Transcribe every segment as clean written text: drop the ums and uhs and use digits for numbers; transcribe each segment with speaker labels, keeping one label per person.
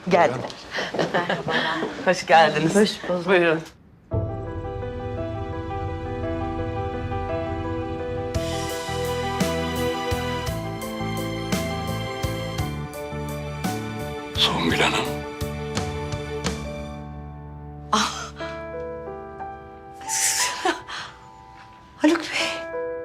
Speaker 1: Geldiler. Hoş geldiniz.
Speaker 2: Hoş bulduk.
Speaker 1: Buyurun.
Speaker 3: Songül Hanım.
Speaker 2: Haluk Bey.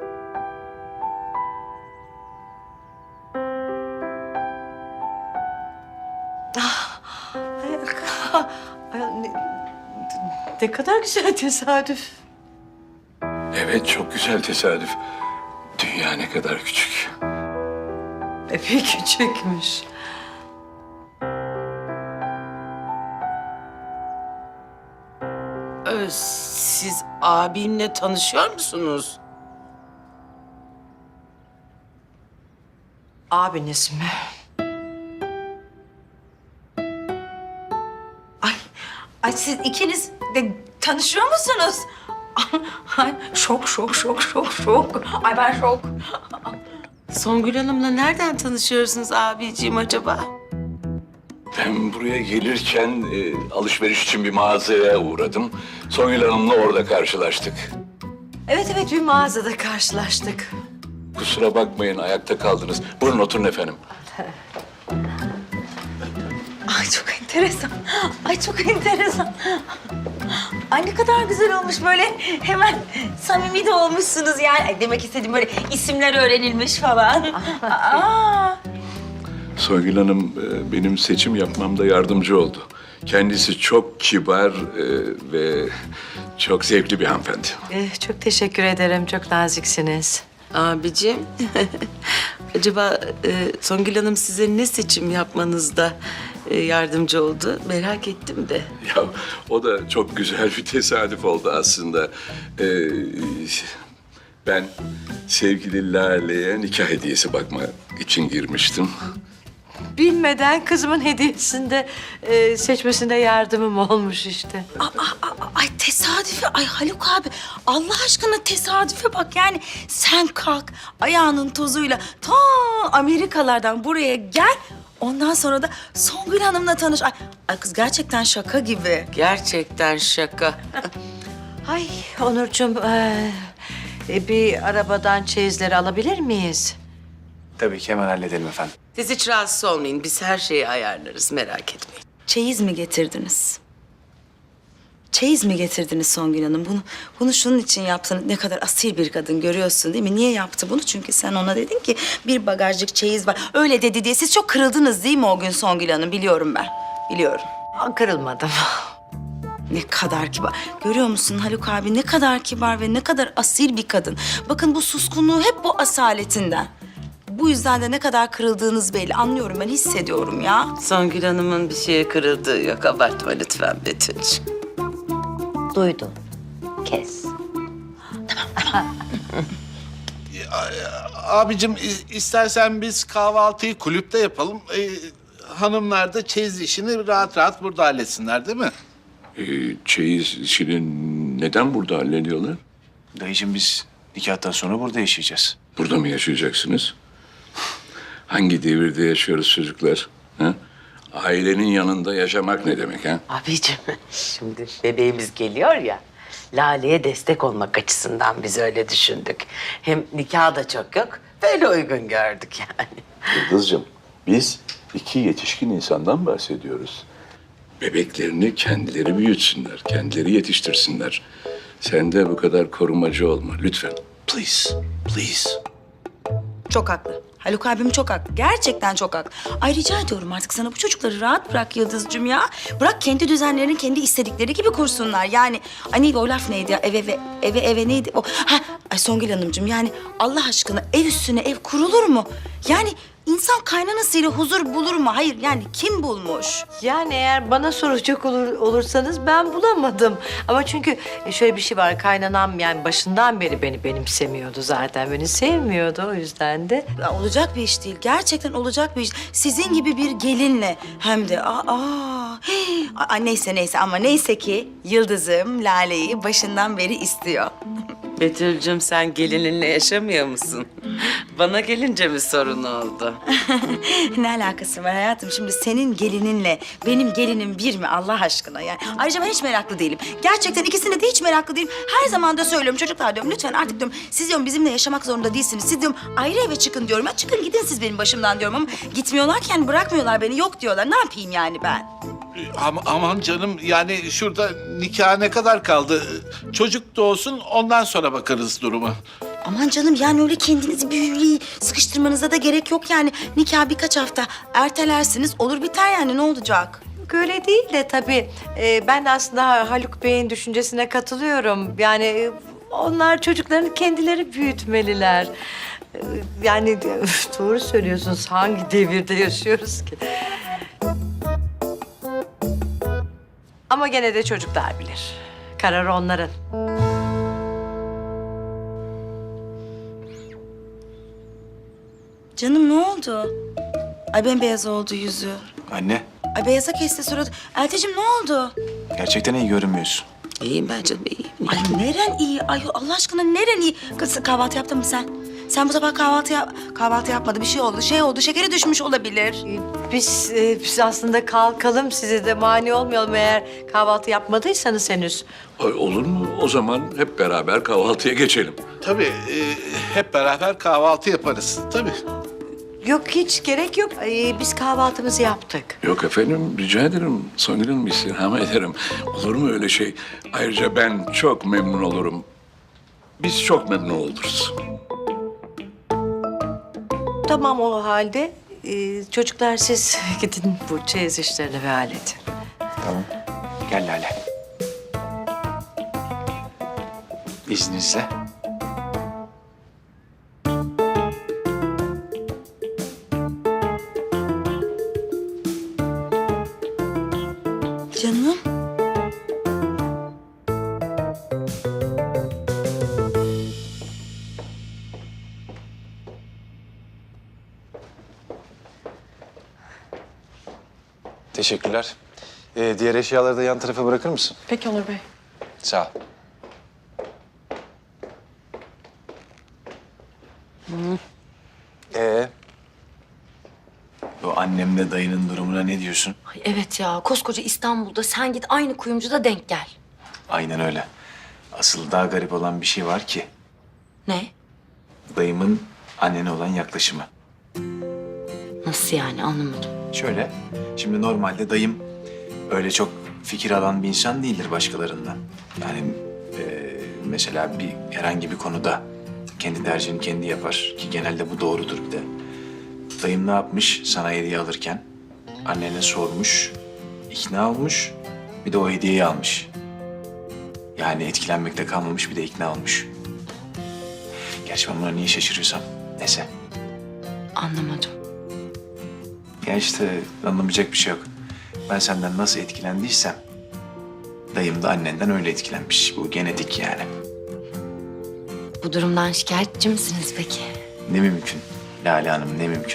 Speaker 2: Ne kadar güzel tesadüf.
Speaker 3: Evet, çok güzel tesadüf. Dünya ne kadar küçük.
Speaker 2: Epey küçükmüş.
Speaker 1: Siz abimle tanışıyor musunuz?
Speaker 2: Abiniz mi? Ay siz ikiniz de tanışıyor musunuz? Ay, şok. Ay ben şok.
Speaker 1: Songül Hanım'la nereden tanışıyorsunuz abiciğim acaba?
Speaker 3: Ben buraya gelirken alışveriş için bir mağazaya uğradım. Songül Hanım'la orada karşılaştık.
Speaker 2: Evet bir mağazada karşılaştık.
Speaker 3: Kusura bakmayın, ayakta kaldınız. Buyurun oturun efendim.
Speaker 2: Ay çok enteresan. Ay çok enteresan. Ay ne kadar güzel olmuş böyle hemen samimi de olmuşsunuz yani. Ay, demek istediğim böyle isimler öğrenilmiş falan. Aa.
Speaker 3: Songül Hanım benim seçim yapmamda yardımcı oldu. Kendisi çok kibar ve çok zevkli bir hanımefendi.
Speaker 2: Çok teşekkür ederim. Çok naziksiniz.
Speaker 1: Abicim, acaba Songül Hanım size ne seçim yapmanızda yardımcı oldu? Merak ettim de.
Speaker 3: Ya o da çok güzel bir tesadüf oldu aslında. Ben sevgili Lale'ye nikah hediyesi bakmak için girmiştim.
Speaker 2: Bilmeden kızımın hediyesinde seçmesinde yardımım olmuş işte.
Speaker 4: Ay tesadüfe, ay Haluk abi Allah aşkına tesadüfe bak yani sen kalk ayağının tozuyla ta Amerikalardan buraya gel. Ondan sonra da Songül Hanım'la tanış. Ay kız gerçekten şaka gibi.
Speaker 1: Gerçekten şaka.
Speaker 2: Ay Onurcuğum bir arabadan çeyizleri alabilir miyiz?
Speaker 5: Tabii ki hemen halledelim efendim.
Speaker 1: Siz hiç rahatsız olmayın. Biz her şeyi ayarlarız. Merak etmeyin.
Speaker 4: Çeyiz mi getirdiniz? Çeyiz mi getirdiniz Songül Hanım? Bunu şunun için yaptınız. Ne kadar asil bir kadın görüyorsun değil mi? Niye yaptı bunu? Çünkü sen ona dedin ki bir bagajcık çeyiz var. Öyle dedi diye siz çok kırıldınız değil mi o gün Songül Hanım? Biliyorum ben. Biliyorum.
Speaker 2: Kırılmadım.
Speaker 4: Ne kadar kibar. Görüyor musun Haluk abi ne kadar kibar ve ne kadar asil bir kadın. Bakın bu suskunluğu hep bu asaletinden. Bu yüzden de ne kadar kırıldığınız belli. Anlıyorum ben hissediyorum ya.
Speaker 1: Songül Hanım'ın bir şeye kırıldığı yok. Abartma lütfen Betül'cüğüm.
Speaker 2: Duydum. Kes.
Speaker 6: Abicim istersen biz kahvaltıyı kulüpte yapalım. Hanımlar da çeyiz işini rahat rahat burada halletsinler değil mi?
Speaker 3: Çeyiz işini neden burada hallediyorlar?
Speaker 5: Dayıcığım biz nikahtan sonra burada yaşayacağız.
Speaker 3: Burada mı yaşayacaksınız? Hangi devirde yaşıyoruz çocuklar? Ha? Ailenin yanında yaşamak ne demek ha?
Speaker 1: Abicim, şimdi bebeğimiz geliyor ya. Lale'ye destek olmak açısından biz öyle düşündük. Hem nikah da çok yok. Böyle uygun gördük yani.
Speaker 3: Yıldız'cığım, biz iki yetişkin insandan bahsediyoruz. Bebeklerini kendileri büyütsünler, kendileri yetiştirsinler. Sen de bu kadar korumacı olma lütfen. Please, please.
Speaker 4: Çok haklı. Haluk abim çok haklı. Gerçekten çok haklı. Ay rica ediyorum artık sana bu çocukları rahat bırak Yıldız'cığım ya. Bırak kendi düzenlerini kendi istedikleri gibi kursunlar. Yani ay neydi o laf neydi ya? Eve neydi o? Ay Songül Hanımcığım yani Allah aşkına ev üstüne ev kurulur mu? Yani insan kaynanasıyla huzur bulur mu? Hayır yani kim bulmuş?
Speaker 2: Yani eğer bana soracak olursanız ben bulamadım. Ama çünkü şöyle bir şey var. Kaynanam yani başından beri beni benimsemiyordu zaten. Beni sevmiyordu o yüzden de.
Speaker 4: Ya olacak bir iş değil. Gerçekten olacak bir iş. Sizin gibi bir gelinle hem de neyse ama neyse ki Yıldız'ım Lale'yi başından beri istiyor.
Speaker 1: Betül'cüm sen gelininle yaşamıyor musun? Bana gelince mi sorun oldu?
Speaker 4: Ne alakası var hayatım? Şimdi senin gelininle benim gelinim bir mi Allah aşkına yani? Ayrıca ben hiç meraklı değilim. Gerçekten ikisine de hiç meraklı değilim. Her zaman da söylüyorum çocuklar diyorum lütfen artık diyorum siz diyorum bizimle yaşamak zorunda değilsiniz. Siz diyorum ayrı eve çıkın diyorum. Ya çıkın gidin siz benim başımdan diyorum ama gitmiyorlarken bırakmıyorlar beni yok diyorlar. Ne yapayım yani ben?
Speaker 6: Aman canım yani şurada nikah ne kadar kaldı? Çocuk doğsun ondan sonra bakarız duruma.
Speaker 4: Aman canım yani öyle kendinizi büyülü sıkıştırmanıza da gerek yok yani. Nikah birkaç hafta ertelersiniz olur biter yani ne olacak?
Speaker 7: Öyle değil de tabii ben aslında Haluk Bey'in düşüncesine katılıyorum. Yani onlar çocuklarını kendileri büyütmeliler. Yani doğru söylüyorsunuz. Hangi devirde yaşıyoruz ki? Ama gene de çocuklar bilir. Karar onların.
Speaker 4: Canım ne oldu? Ay bembeyaz oldu yüzü.
Speaker 5: Anne,
Speaker 4: Ay beyaza kesti suratı. Elteciğim ne oldu?
Speaker 5: gerçekten iyi görünmüyorsun.
Speaker 1: İyiyim ben canım, iyiyim.
Speaker 4: Ay neren iyi? Ay Allah aşkına neren iyi? Kız kahvaltı yaptın mı sen? Sen bu sabah kahvaltı yapmadı. Bir şey oldu. Şekeri düşmüş olabilir.
Speaker 7: Biz aslında kalkalım, size de mani olmayalım eğer kahvaltı yapmadıysanız henüz.
Speaker 3: Ay, olur mu? O zaman hep beraber kahvaltıya geçelim.
Speaker 6: Tabii hep beraber kahvaltı yaparız tabii.
Speaker 7: Yok hiç gerek yok. Biz kahvaltımızı yaptık.
Speaker 3: Yok efendim, rica ederim. Songül istirham ederim. Olur mu öyle şey? Ayrıca ben çok memnun olurum. Biz çok memnun oluruz.
Speaker 7: Tamam o halde. Çocuklar siz gidin bu çeyiz işlerini ve halledin.
Speaker 5: Tamam. Gel Lale. İzninizle.
Speaker 4: Canım.
Speaker 5: Teşekkürler. Diğer eşyaları da yan tarafa bırakır mısın?
Speaker 7: Peki Onur Bey.
Speaker 5: Sağ ol. Bu annemle dayının durumuna ne diyorsun?
Speaker 2: Ay evet ya koskoca İstanbul'da sen git aynı kuyumcuda denk gel.
Speaker 5: Aynen öyle. Asıl daha garip olan bir şey var ki.
Speaker 2: Ne?
Speaker 5: Dayımın annene olan yaklaşımı.
Speaker 2: Nasıl yani anlamadım.
Speaker 5: Şöyle, şimdi normalde dayım öyle çok fikir alan bir insan değildir başkalarından. Yani mesela herhangi bir konuda kendi tercihini kendi yapar ki genelde bu doğrudur bir de. Dayım ne yapmış sana hediye alırken? Annene sormuş, ikna olmuş, bir de o hediyeyi almış. Yani etkilenmekte kalmamış bir de ikna olmuş. Gerçi ben buna niye şaşırıyorsam neyse.
Speaker 2: Anlamadım.
Speaker 5: Ya işte anlamayacak bir şey yok. Ben senden nasıl etkilendiysem dayım da annenden öyle etkilenmiş. Bu genetik yani.
Speaker 2: Bu durumdan şikayetçi misiniz peki?
Speaker 5: Ne mümkün Lale Hanım, ne mümkün.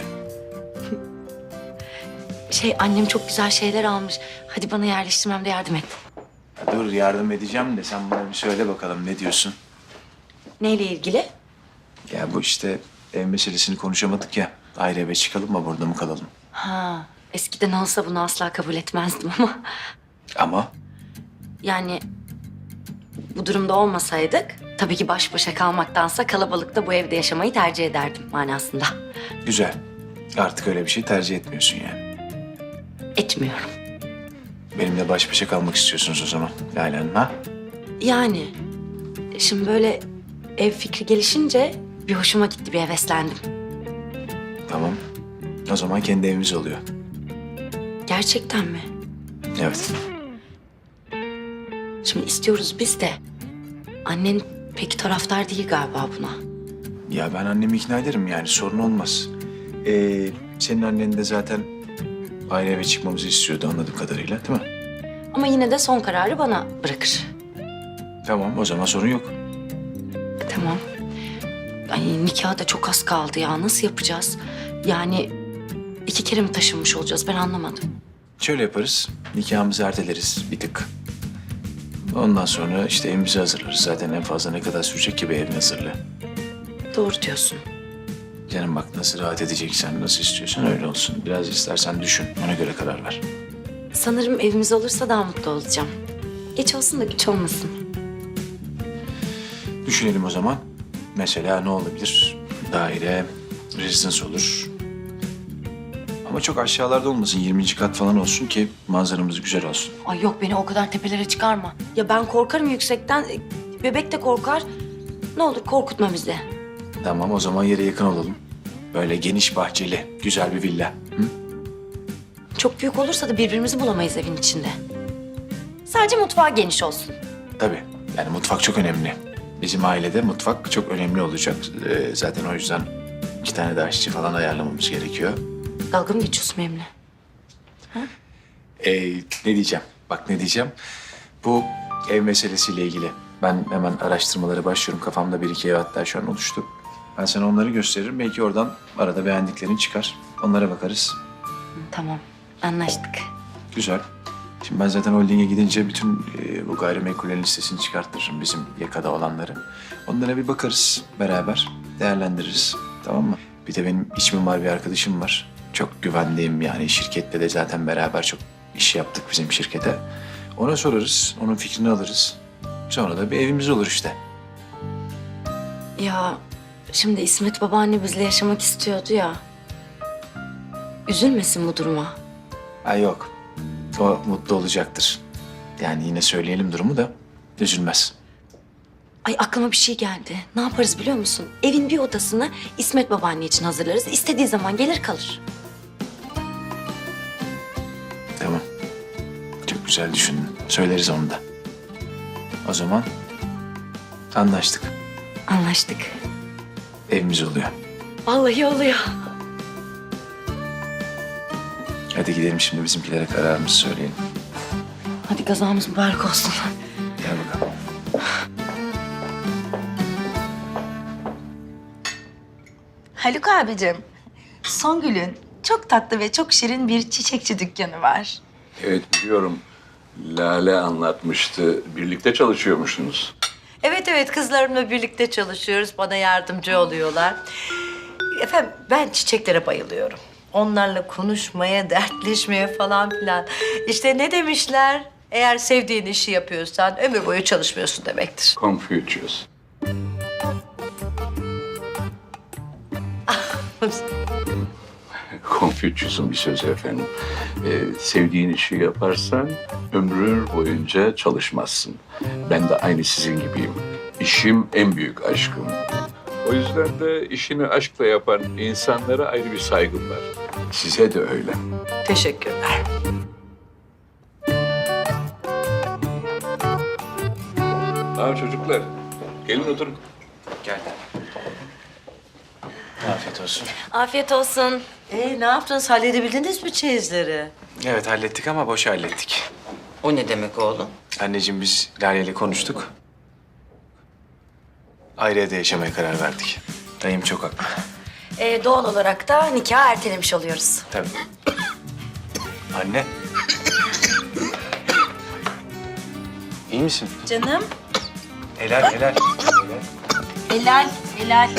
Speaker 2: Annem çok güzel şeyler almış. Hadi bana yerleştirmemde yardım et.
Speaker 5: Ya dur yardım edeceğim de sen bana bir söyle bakalım ne diyorsun?
Speaker 2: Neyle ilgili?
Speaker 5: Ya bu işte ev meselesini konuşamadık ya. Ayrı eve çıkalım mı burada mı kalalım?
Speaker 2: Ha, eskiden olsa bunu asla kabul etmezdim ama...
Speaker 5: Ama
Speaker 2: Yani bu durumda olmasaydık tabii ki baş başa kalmaktansa kalabalıkta bu evde yaşamayı tercih ederdim manasında.
Speaker 5: güzel. Artık öyle bir şey tercih etmiyorsun yani.
Speaker 2: Etmiyorum.
Speaker 5: Benimle baş başa kalmak istiyorsunuz o zaman Lale Hanım ha?
Speaker 2: Yani şimdi böyle ev fikri gelişince bir hoşuma gitti, bir heveslendim.
Speaker 5: Tamam. O zaman kendi evimiz oluyor.
Speaker 2: Gerçekten mi?
Speaker 5: Evet.
Speaker 2: Şimdi istiyoruz biz de. Annen pek taraftar değil galiba buna.
Speaker 5: Ya ben annemi ikna ederim yani sorun olmaz. Senin annen de zaten ayrı eve çıkmamızı istiyordu anladığım kadarıyla değil mi?
Speaker 2: Ama yine de son kararı bana bırakır.
Speaker 5: Tamam o zaman sorun yok.
Speaker 2: Tamam. Ay nikah da çok az kaldı ya. Nasıl yapacağız? Yani 2 kere mi taşınmış olacağız? Ben anlamadım.
Speaker 5: Şöyle yaparız. Nikahımızı erteleriz bir tık. Ondan sonra işte evimizi hazırlarız. Zaten en fazla ne kadar sürecek ki bir evin hazırlığı.
Speaker 4: Doğru diyorsun.
Speaker 5: Canım bak nasıl rahat edeceksen, nasıl istiyorsan öyle olsun. Biraz istersen düşün, ona göre karar ver.
Speaker 2: Sanırım evimiz olursa daha mutlu olacağım. Geç olsun da güç olmasın.
Speaker 5: Düşünelim o zaman. Mesela ne olabilir? Daire, rezidans olur. Ama çok aşağılarda olmasın, 20. kat falan olsun ki manzaramız güzel olsun.
Speaker 2: Ay yok, beni o kadar tepelere çıkarma. Ya ben korkarım yüksekten. Bebek de korkar. Ne olur korkutma bizi.
Speaker 5: Tamam, o zaman yere yakın olalım. Böyle geniş bahçeli, güzel bir villa. Hı?
Speaker 2: Çok büyük olursa da birbirimizi bulamayız evin içinde. Sadece mutfağı geniş olsun.
Speaker 5: Tabii, yani mutfak çok önemli. Bizim ailede mutfak çok önemli olacak. Zaten o yüzden 2 tane daha aşçı falan ayarlamamız gerekiyor.
Speaker 2: Dalga mı geçiyorsun benimle?
Speaker 5: Ne diyeceğim? Bak ne diyeceğim. Bu ev meselesiyle ilgili ben hemen araştırmalara başlıyorum. Kafamda 1-2 ev hatta şu an oluştu. Ben sana onları gösteririm. Belki oradan arada beğendiklerin çıkar. Onlara bakarız.
Speaker 2: Tamam, anlaştık.
Speaker 5: Güzel. Şimdi ben zaten holdinge gidince bütün bu gayrimenkullerin listesini çıkarttırırım bizim yakada olanları. Onlara bir bakarız beraber. Değerlendiririz. Tamam mı? Bir de benim iç mimar bir arkadaşım var. Çok güvendiğim yani şirkette de zaten beraber çok iş yaptık bizim şirkete. Ona sorarız. Onun fikrini alırız. Sonra da bir evimiz olur işte.
Speaker 2: Ya şimdi İsmet babaanne bizle yaşamak istiyordu ya. Üzülmesin bu duruma.
Speaker 5: Ha yok. O mutlu olacaktır. Yani yine söyleyelim durumu da üzülmez.
Speaker 2: Ay aklıma bir şey geldi. Ne yaparız biliyor musun? Evin bir odasını İsmet babaanne için hazırlarız. İstediği zaman gelir kalır.
Speaker 5: Tamam. Çok güzel düşündün. Söyleriz onu da. O zaman anlaştık.
Speaker 2: Anlaştık.
Speaker 5: Evimiz oluyor.
Speaker 2: Vallahi oluyor.
Speaker 5: Hadi gidelim şimdi bizimkilere kararımızı söyleyelim.
Speaker 2: Hadi kazamız mübarek olsun.
Speaker 5: Gel bakalım.
Speaker 4: Haluk abicim, Songül'ün çok tatlı ve çok şirin bir çiçekçi dükkanı var.
Speaker 3: Evet biliyorum. Lale anlatmıştı. Birlikte çalışıyormuşsunuz.
Speaker 7: Evet evet, kızlarımla birlikte çalışıyoruz. Bana yardımcı oluyorlar. Efendim ben çiçeklere bayılıyorum. Onlarla konuşmaya, dertleşmeye falan filan. İşte ne demişler? Eğer sevdiğin işi yapıyorsan ömür boyu çalışmıyorsun demektir.
Speaker 3: Confucius. Confucius'un bir sözü efendim. Sevdiğin işi yaparsan ömrün boyunca çalışmazsın. Ben de aynı sizin gibiyim. İşim en büyük aşkım. O yüzden de işini aşkla yapan insanlara ayrı bir saygım var. Size de öyle.
Speaker 7: Teşekkürler.
Speaker 3: Tamam çocuklar. Gelin oturun.
Speaker 5: Gel. Afiyet olsun.
Speaker 2: Afiyet olsun.
Speaker 7: Ne yaptınız? Halledebildiniz mi çeyizleri?
Speaker 5: Evet hallettik ama boş hallettik.
Speaker 1: O ne demek oğlum?
Speaker 5: Anneciğim biz Lale ile konuştuk. Ayrı evde yaşamaya karar verdik. Dayım çok haklı.
Speaker 2: Doğal olarak da nikahı ertelemiş oluyoruz.
Speaker 5: Tabii. Anne. İyi misin?
Speaker 4: Canım.
Speaker 5: Helal helal.
Speaker 4: Helal, helal.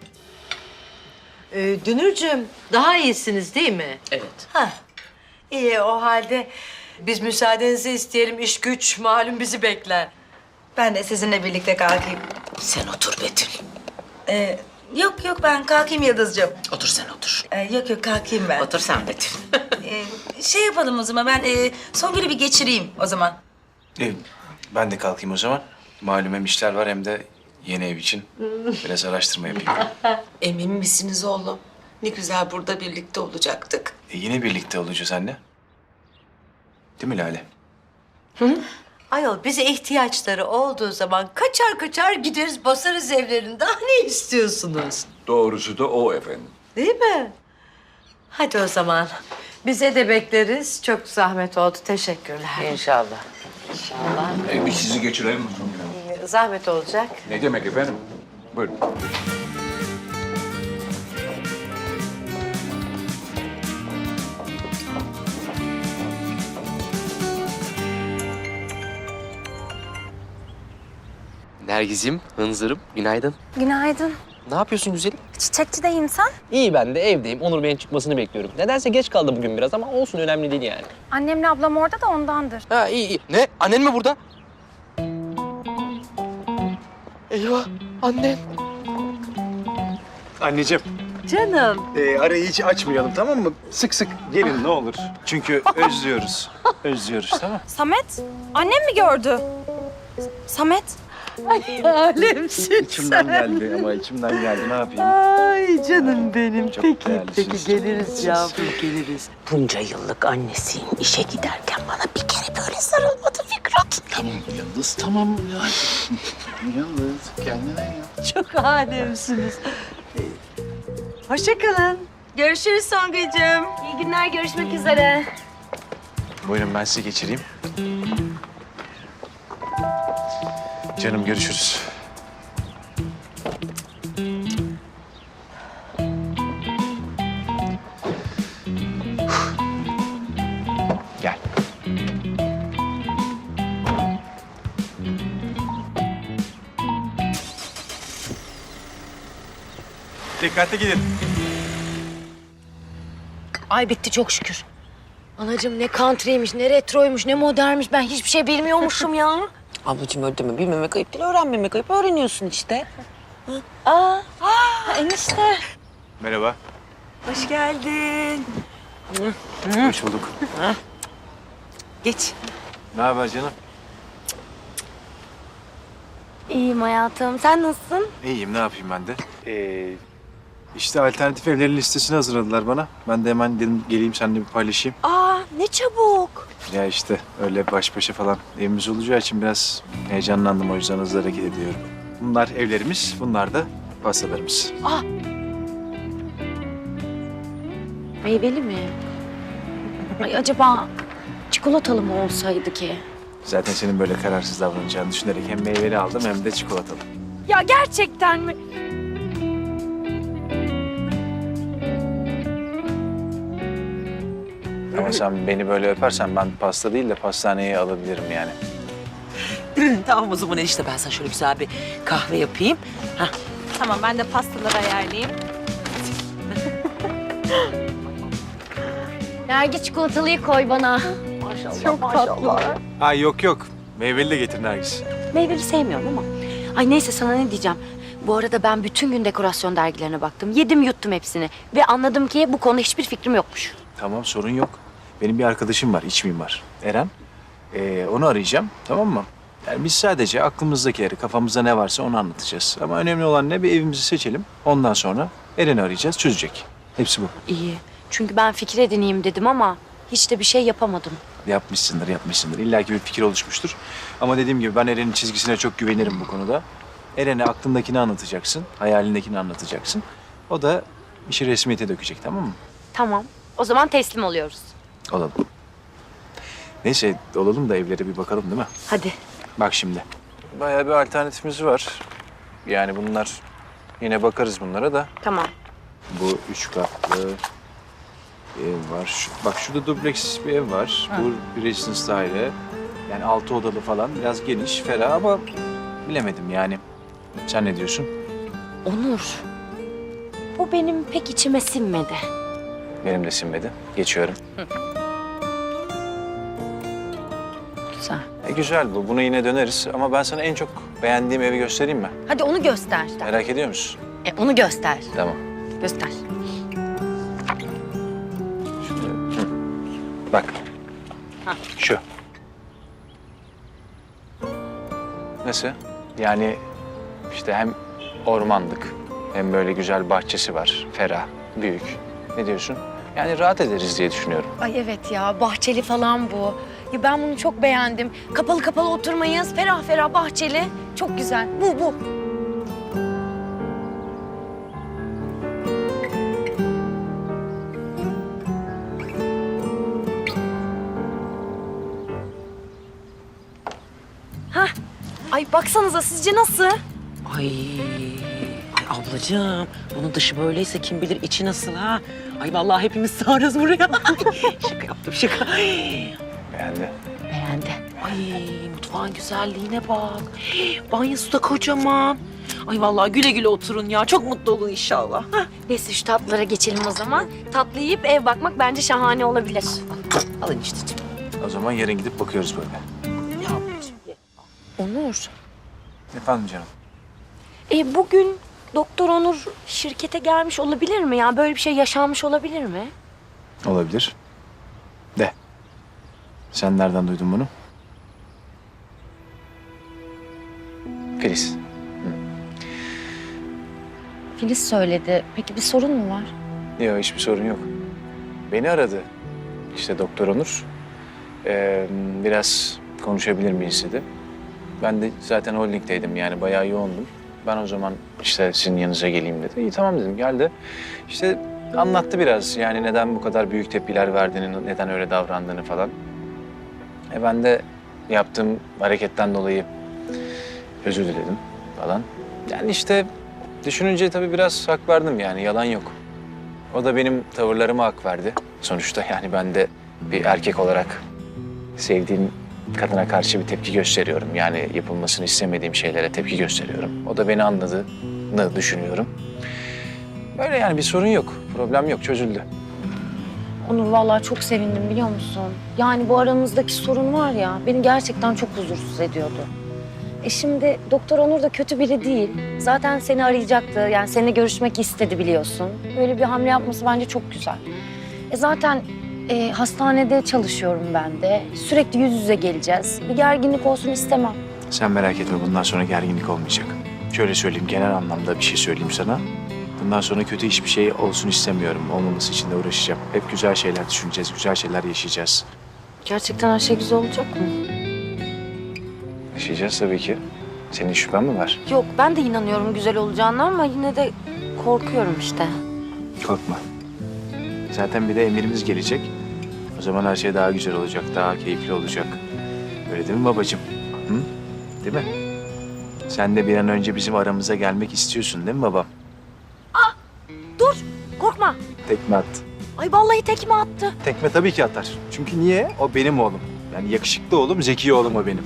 Speaker 7: Dünürcüğüm daha iyisiniz değil mi?
Speaker 1: Evet.
Speaker 7: Ha. İyi o halde biz müsaadenizi isteyelim. İş güç malum bizi bekler.
Speaker 4: Ben de sizinle birlikte kalkayım.
Speaker 1: Sen otur Betül.
Speaker 4: Yok yok ben kalkayım Yıldız'cığım.
Speaker 1: Otur sen otur.
Speaker 4: Yok yok kalkayım ben.
Speaker 1: Otur sen Betül.
Speaker 4: Şey yapalım o zaman ben Songül'ü bir geçireyim o zaman.
Speaker 5: Ben de kalkayım o zaman. Malum hem işler var hem de yeni ev için biraz araştırma yapayım.
Speaker 1: Emin misiniz oğlum? Ne güzel burada birlikte olacaktık.
Speaker 5: Yine birlikte olacağız anne. Değil mi Lale?
Speaker 7: Ayol bize ihtiyaçları olduğu zaman kaçar kaçar gideriz basarız evlerini. Daha ne istiyorsunuz?
Speaker 3: Doğrusu da o efendim.
Speaker 7: Değil mi? Hadi o zaman. Bize de bekleriz. Çok zahmet oldu. Teşekkürler.
Speaker 1: İnşallah.
Speaker 3: Biz sizi geçirelim.
Speaker 7: Zahmet olacak.
Speaker 3: Ne demek efendim? Buyurun.
Speaker 8: Nergiz'im, hınzırım, günaydın.
Speaker 9: Günaydın.
Speaker 8: Ne yapıyorsun güzelim?
Speaker 9: Çiçekçideyim sen.
Speaker 8: İyi ben de evdeyim. Onur Bey'in çıkmasını bekliyorum. Nedense geç kaldı bugün biraz ama olsun önemli değil yani.
Speaker 9: Annemle ablam orada da ondandır.
Speaker 8: Ha iyi. Ne? Annen mi burada? Eyvah annen.
Speaker 5: Anneciğim.
Speaker 7: Canım.
Speaker 5: Arayı hiç açmayalım tamam mı? Sık sık gelin ne olur. Çünkü özlüyoruz. Özlüyoruz tamam.
Speaker 4: Samet, annem mi gördü? Samet.
Speaker 7: Alemsin
Speaker 5: İçimden geldi ama içimden geldi ne yapayım?
Speaker 7: Ay canım benim.
Speaker 5: Çok
Speaker 7: Peki,
Speaker 5: değerlisiniz.
Speaker 7: geliriz yavrum, geliriz.
Speaker 1: Bunca yıllık annesiyim. İşe giderken bana bir kere böyle sarılmadı Fikret.
Speaker 6: Tamam Yıldız tamam. Ya. Yıldız kendine ya.
Speaker 7: Çok alemsiniz. Hoşça kalın.
Speaker 4: Görüşürüz Songacığım.
Speaker 9: İyi günler, görüşmek üzere.
Speaker 5: Buyurun ben sizi geçireyim. Canım görüşürüz. Gel. Dikkatli gidin.
Speaker 2: Ay bitti çok şükür. Anacığım ne country'ymiş, ne retroymuş, ne modernmiş. Ben hiçbir şey bilmiyormuşum ya.
Speaker 1: Ablacığım öyle deme. Bilmemek ayıp değil, öğrenmemek ayıp. Öğreniyorsun işte.
Speaker 2: Enişte.
Speaker 5: Merhaba.
Speaker 2: Hoş geldin.
Speaker 5: Hoş bulduk.
Speaker 1: Geç.
Speaker 5: Ne haber canım?
Speaker 9: İyiyim hayatım. Sen nasılsın?
Speaker 5: İyiyim, ne yapayım ben de? İşte alternatif evlerin listesini hazırladılar bana. Ben de hemen dedim geleyim seninle bir paylaşayım.
Speaker 2: Aa ne çabuk.
Speaker 5: Ya işte öyle baş başa falan evimiz olacağı için biraz heyecanlandım. O yüzden hızlı hareket ediyorum. Bunlar evlerimiz, bunlar da pastalarımız.
Speaker 2: Meyveli mi? Ay acaba çikolatalı mı olsaydı ki?
Speaker 5: Zaten senin böyle kararsız davranacağını düşünerek hem meyveli aldım hem de çikolatalı.
Speaker 9: Ya gerçekten mi?
Speaker 5: Ama sen beni böyle öpersen ben pasta değil de pastaneye alabilirim yani.
Speaker 1: Tamam o zaman enişte ben sana şöyle güzel bir kahve yapayım. Hah.
Speaker 9: Tamam, ben de pastaları ayarlayayım.
Speaker 2: Nergis çikolatalıyı koy bana.
Speaker 9: Çok tatlı.
Speaker 5: Ay yok. Meyveli de getir Nergis.
Speaker 2: Meyveli sevmiyorum ama. Ay neyse sana ne diyeceğim. Bu arada ben bütün gün dekorasyon dergilerine baktım. Yedim yuttum hepsini. Ve anladım ki bu konuda hiçbir fikrim yokmuş.
Speaker 5: Tamam sorun yok. Benim bir arkadaşım var, iç mimar. Eren. Onu arayacağım, tamam mı? Yani biz sadece aklımızdakileri, kafamızda ne varsa onu anlatacağız. Ama önemli olan ne? Bir evimizi seçelim. Ondan sonra Eren'i arayacağız, çözecek. Hepsi bu.
Speaker 2: İyi. Çünkü ben fikir edineyim dedim ama hiç de bir şey yapamadım.
Speaker 5: Yapmışsındır. İlla ki bir fikir oluşmuştur. Ama dediğim gibi ben Eren'in çizgisine çok güvenirim bu konuda. Eren'e aklındakini anlatacaksın, hayalindekini anlatacaksın. O da işi resmiyete dökecek, tamam mı?
Speaker 2: Tamam. O zaman teslim oluyoruz.
Speaker 5: Olalım. Neyse, olalım da evlere bir bakalım değil mi?
Speaker 2: Hadi.
Speaker 5: Bak şimdi. Bayağı bir alternatifimiz var. Yani bunlar, yine bakarız bunlara da.
Speaker 2: Tamam.
Speaker 5: Bu 3 katlı ev var. Bak şurada dubleks bir ev var. Bu bir residence daire. Yani 6 odalı falan. Biraz geniş, ferah ama bilemedim yani. Sen ne diyorsun?
Speaker 2: Onur. Bu benim pek içime sinmedi.
Speaker 5: Benim de sinmedi. Geçiyorum.
Speaker 2: Güzel.
Speaker 5: Güzel bu. Buna yine döneriz. Ama ben sana en çok beğendiğim evi göstereyim mi?
Speaker 2: Hadi onu göster.
Speaker 5: Merak ediyor musun?
Speaker 2: Onu göster.
Speaker 5: Tamam.
Speaker 2: Göster.
Speaker 5: Şöyle. Bak. Şu. Nasıl? Yani işte hem ormanlık hem böyle güzel bahçesi var. Ferah, büyük. Ne diyorsun? Yani rahat ederiz diye düşünüyorum.
Speaker 2: Ay evet ya bahçeli falan bu. Ya ben bunu çok beğendim. Kapalı kapalı oturmayız. Ferah ferah bahçeli. Çok güzel. Bu. Hah. Ay baksanıza sizce nasıl?
Speaker 1: Ay ablacığım, bunun dışı böyleyse kim bilir içi nasıl ha? Ay vallahi hepimiz sığarız buraya. Şaka yaptım şaka.
Speaker 5: Beğendi.
Speaker 2: Beğendi.
Speaker 1: Ay mutfağın güzelliğine bak. Banyosu da kocaman. Ay vallahi güle güle oturun ya. Çok mutlu olun inşallah.
Speaker 9: Neyse şu tatlılara geçelim o zaman. Tatlı yiyip ev bakmak bence şahane olabilir.
Speaker 1: Alın işte.
Speaker 5: O zaman yarın gidip bakıyoruz böyle.
Speaker 9: Onur.
Speaker 5: Efendim canım.
Speaker 9: Bugün Doktor Onur şirkete gelmiş olabilir mi? Yani böyle bir şey yaşanmış olabilir mi?
Speaker 5: Olabilir. De. Sen nereden duydun bunu? Filiz.
Speaker 2: Filiz söyledi. Peki bir sorun mu var?
Speaker 5: Yok, hiçbir sorun yok. Beni aradı. İşte Doktor Onur. Biraz konuşabilir miyiz dedi. Ben de zaten holdingdeydim, yani bayağı yoğundum. Ben o zaman işte sizin yanınıza geleyim dedi. İyi tamam dedim, geldi. İşte anlattı biraz, yani neden bu kadar büyük tepkiler verdiğini, neden öyle davrandığını falan. Ben de yaptığım hareketten dolayı özür diledim falan. Yani işte düşününce tabii biraz hak verdim, yani yalan yok. O da benim tavırlarıma hak verdi. Sonuçta yani ben de bir erkek olarak sevdiğim kadına karşı bir tepki gösteriyorum. Yani yapılmasını istemediğim şeylere tepki gösteriyorum. O da beni anladığını düşünüyorum. Böyle yani bir sorun yok, problem yok, çözüldü.
Speaker 2: Onur vallahi çok sevindim biliyor musun? Yani bu aramızdaki sorun var ya beni gerçekten çok huzursuz ediyordu. Şimdi Doktor Onur da kötü biri değil. Zaten seni arayacaktı. Yani seninle görüşmek istedi biliyorsun. Böyle bir hamle yapması bence çok güzel. Zaten hastanede çalışıyorum ben de. Sürekli yüz yüze geleceğiz. Bir gerginlik olsun istemem.
Speaker 5: Sen merak etme, bundan sonra gerginlik olmayacak. Şöyle söyleyeyim, genel anlamda bir şey söyleyeyim sana. Bundan sonra kötü hiçbir şey olsun istemiyorum. Olmaması için de uğraşacağım. Hep güzel şeyler düşüneceğiz, güzel şeyler yaşayacağız.
Speaker 2: Gerçekten her şey güzel olacak mı?
Speaker 5: Yaşayacağız tabii ki. Senin şüphen mi var?
Speaker 2: Yok ben de inanıyorum güzel olacağına ama yine de korkuyorum işte.
Speaker 5: Korkma. Zaten bir de emirimiz gelecek. O zaman her şey daha güzel olacak, daha keyifli olacak. Öyle değil mi babacığım? Hı? Değil mi? Sen de bir an önce bizim aramıza gelmek istiyorsun değil mi babam?
Speaker 2: Dur korkma.
Speaker 5: Tekme at.
Speaker 2: Ay vallahi tekme attı.
Speaker 5: Tekme tabii ki atar. Çünkü niye? O benim oğlum. Yani yakışıklı oğlum, zeki oğlum o benim.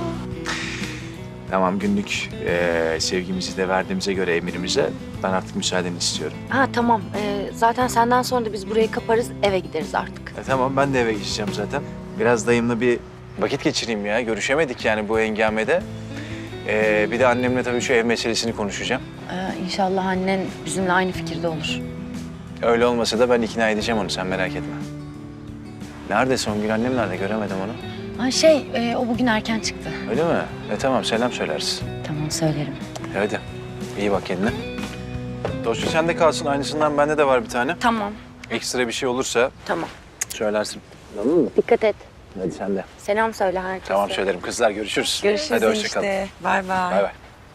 Speaker 5: Tamam, günlük sevgimizi de verdiğimize göre emirimize ben artık müsaadeni istiyorum.
Speaker 2: Ha tamam. Zaten senden sonra da biz burayı kaparız eve gideriz artık.
Speaker 5: Tamam, ben de eve geçeceğim zaten. Biraz dayımla bir vakit geçireyim ya. Görüşemedik yani bu hengamede. Bir de annemle tabii şu ev meselesini konuşacağım.
Speaker 2: İnşallah annen bizimle aynı fikirde olur.
Speaker 5: Öyle olmasa da ben ikna edeceğim onu, sen merak etme. Nerede Songül, annem nerede? Göremedim onu.
Speaker 2: O bugün erken çıktı.
Speaker 5: Öyle mi? Tamam, selam söylersin.
Speaker 2: Tamam söylerim.
Speaker 5: Hadi, iyi bak kendine. Dosya sende kalsın, aynısından bende de var bir tane.
Speaker 2: Tamam.
Speaker 5: Ekstra bir şey olursa
Speaker 2: Tamam.
Speaker 5: söylersin. Tamam mı?
Speaker 2: Dikkat et.
Speaker 5: Hadi sen de.
Speaker 2: Selam söyle herkese.
Speaker 5: Tamam, söylerim. Kızlar görüşürüz.
Speaker 4: Görüşürüz
Speaker 5: Hadi hoşça kal.
Speaker 4: enişte. Bay bay.
Speaker 5: Bay bay.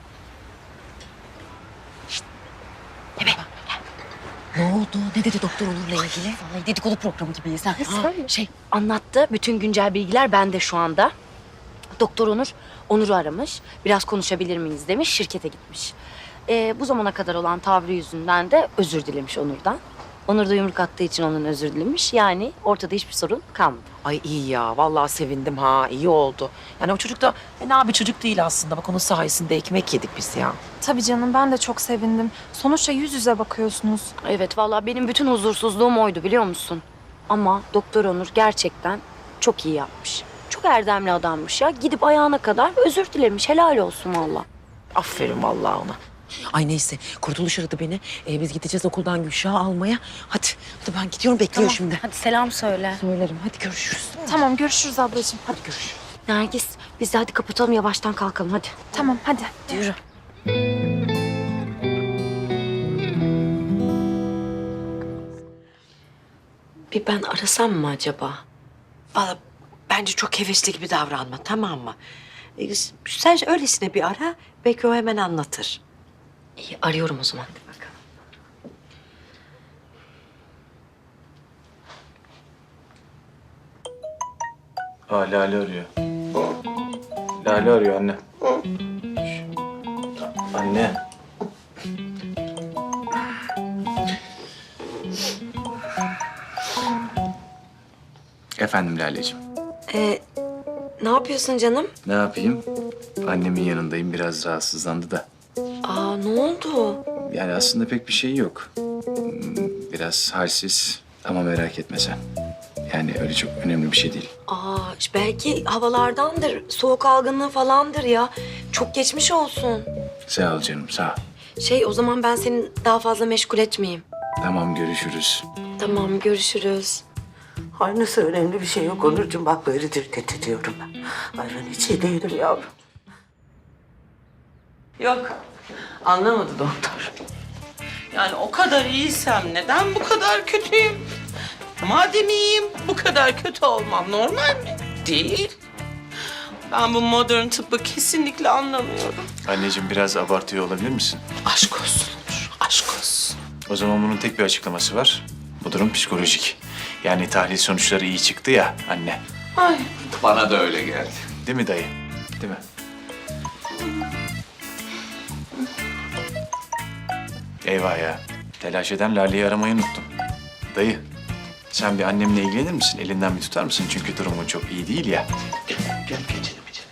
Speaker 2: Ne oldu? Ne dedi Doktor Onur'la ilgili? Vallahi dedikodu programı gibiyiz ha. Anlattı. Bütün güncel bilgiler bende şu anda. Doktor Onur'u aramış. Biraz konuşabilir miyiz demiş. Şirkete gitmiş. Bu zamana kadar olan tavrı yüzünden de özür dilemiş Onur'dan. Onur da yumruk attığı için onun özür dilemiş. Yani ortada hiçbir sorun kalmadı.
Speaker 1: Ay iyi ya. Vallahi sevindim ha. İyi oldu. Yani o çocuk da fena bir çocuk değil aslında. Bak onun sayesinde ekmek yedik biz ya.
Speaker 9: Tabii canım ben de çok sevindim. Sonuçta yüz yüze bakıyorsunuz.
Speaker 2: Evet vallahi benim bütün huzursuzluğum oydu biliyor musun? Ama Doktor Onur gerçekten çok iyi yapmış. Çok erdemli adammış ya. Gidip ayağına kadar özür dilemiş. Helal olsun vallahi.
Speaker 1: Aferin vallahi ona. Ay neyse Kurtuluş aradı beni. Biz gideceğiz okuldan Gülşah'ı almaya. Hadi ben gidiyorum bekliyor şimdi.
Speaker 2: Hadi selam söyle.
Speaker 1: Söylerim hadi görüşürüz.
Speaker 9: Tamam görüşürüz ablacığım.
Speaker 1: Hadi görüşürüz.
Speaker 2: Nergis biz de hadi kapatalım yavaştan kalkalım hadi.
Speaker 9: Tamam hadi.
Speaker 2: Yürü.
Speaker 1: Bir ben arasam mı acaba? Vallahi bence çok hevesli gibi davranma, tamam mı? Sen öylesine bir ara, belki o hemen anlatır.
Speaker 2: İyi arıyorum o zaman. Hadi bakalım.
Speaker 5: Lale arıyor. Lale arıyor anne. Anne. Efendim Laleciğim.
Speaker 9: Ne yapıyorsun canım?
Speaker 5: Ne yapayım? Annemin yanındayım, biraz rahatsızlandı da.
Speaker 9: Aa, ne oldu?
Speaker 5: Yani aslında pek bir şey yok. Biraz halsiz ama merak etme sen. Yani öyle çok önemli bir şey değil.
Speaker 9: Aa, belki havalardandır, soğuk algınlığı falandır ya. Çok geçmiş olsun.
Speaker 5: Sağ ol canım, sağ ol.
Speaker 9: O zaman ben seni daha fazla meşgul etmeyeyim.
Speaker 5: Tamam, görüşürüz.
Speaker 9: Tamam, görüşürüz.
Speaker 1: Ay nasıl önemli bir şey yok Onurcuğum. Bak böyle dikkat ediyorum ben. Ay ben hiç iyi değilim yavrum. Yok. Anlamadı doktor. Yani o kadar iyiysem neden bu kadar kötüyüm? Madem iyiyim bu kadar kötü olmam normal mi? Değil. Ben bu modern tıbbı kesinlikle anlamıyorum.
Speaker 5: Anneciğim, biraz abartıyor olabilir misin?
Speaker 1: Aşk olsun Onur, aşk olsun.
Speaker 5: O zaman bunun tek bir açıklaması var. Bu durum psikolojik. Yani tahlil sonuçları iyi çıktı ya anne.
Speaker 1: Ay.
Speaker 3: Bana da öyle geldi.
Speaker 5: Değil mi dayı? Değil mi? Eyvah ya. Telaş eden Lale'yi aramayı unuttum. Dayı, sen bir annemle ilgilenir misin? Elinden bir tutar mısın? Çünkü durumu çok iyi değil ya.
Speaker 3: Gel geçelim içeri.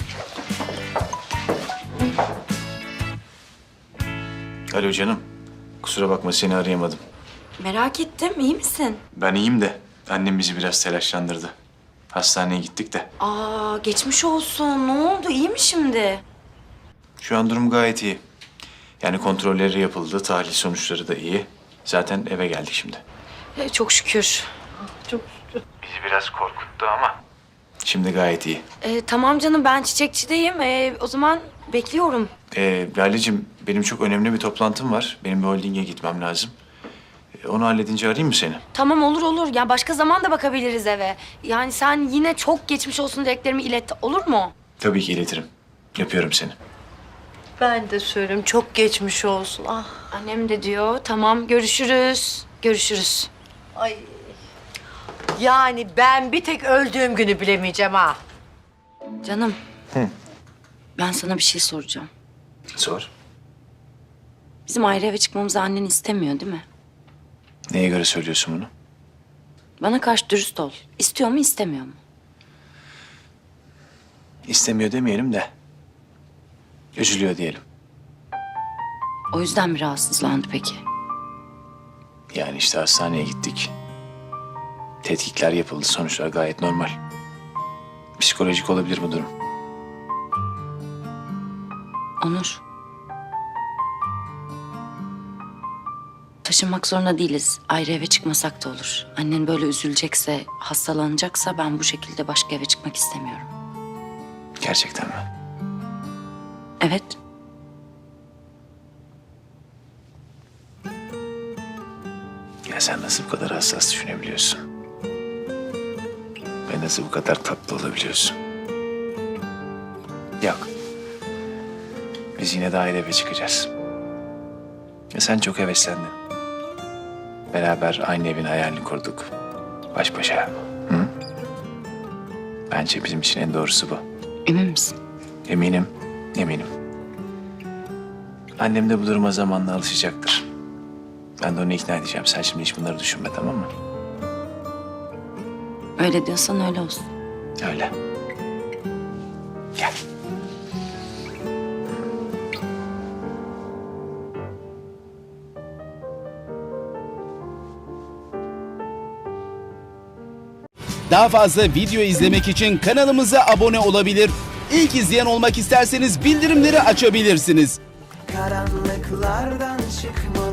Speaker 5: Alo canım. Kusura bakma, seni arayamadım.
Speaker 2: Merak ettim, iyi misin?
Speaker 5: Ben iyiyim de annem bizi biraz telaşlandırdı. Hastaneye gittik de.
Speaker 2: Aa, geçmiş olsun. Ne oldu? İyi mi şimdi?
Speaker 5: Şu an durum gayet iyi. Yani kontrolleri yapıldı, tahlil sonuçları da iyi. Zaten eve geldik şimdi.
Speaker 2: Çok şükür.
Speaker 5: Bizi biraz korkuttu ama. Şimdi gayet iyi.
Speaker 2: Tamam canım, ben çiçekçideyim. O zaman bekliyorum.
Speaker 5: Lale'cim, benim çok önemli bir toplantım var. Benim bir holdinge gitmem lazım. Onu halledince arayayım mı seni?
Speaker 2: Tamam, olur. Ya başka zaman da bakabiliriz eve. Yani sen yine çok geçmiş olsun dileklerimi ilet, olur mu?
Speaker 5: Tabii ki iletirim. Öpüyorum seni.
Speaker 7: Ben de söyleyeyim, çok geçmiş olsun. Ah.
Speaker 2: Annem de diyor. Tamam, görüşürüz. Görüşürüz.
Speaker 7: Ay. Yani ben bir tek öldüğüm günü bilemeyeceğim ha.
Speaker 2: Canım. Ben sana bir şey soracağım.
Speaker 5: Sor.
Speaker 2: Bizim ayrı eve çıkmamızı annen istemiyor değil mi?
Speaker 5: Neye göre söylüyorsun bunu?
Speaker 2: Bana karşı dürüst ol. İstiyor mu, istemiyor mu?
Speaker 5: İstemiyor demeyelim de. Üzülüyor diyelim.
Speaker 2: O yüzden mi rahatsızlandı peki?
Speaker 5: Yani işte hastaneye gittik. Tetkikler yapıldı. Sonuçlar gayet normal. Psikolojik olabilir bu durum.
Speaker 2: Onur. Taşınmak zorunda değiliz. Ayrı eve çıkmasak da olur. Annen böyle üzülecekse, hastalanacaksa ben bu şekilde başka eve çıkmak istemiyorum.
Speaker 5: Gerçekten mi?
Speaker 2: Evet.
Speaker 5: Ya sen nasıl bu kadar hassas düşünebiliyorsun? Ve nasıl bu kadar tatlı olabiliyorsun? Yok. Biz yine de ayrı eve çıkacağız. Ya sen çok heveslendin. Beraber aynı evin hayalini kurduk. Baş başa. Hı? Bence bizim için en doğrusu bu.
Speaker 2: Emin misin?
Speaker 5: Eminim, eminim. Annem de bu duruma zamanla alışacaktır. Ben de onu ikna edeceğim. Sen şimdi hiç bunları düşünme, tamam mı?
Speaker 2: Öyle diyorsan öyle olsun.
Speaker 5: Öyle. Gel.
Speaker 10: Daha fazla video izlemek için kanalımıza abone olabilir. İlk izleyen olmak isterseniz bildirimleri açabilirsiniz.
Speaker 11: Karanlıklardan çıkmalı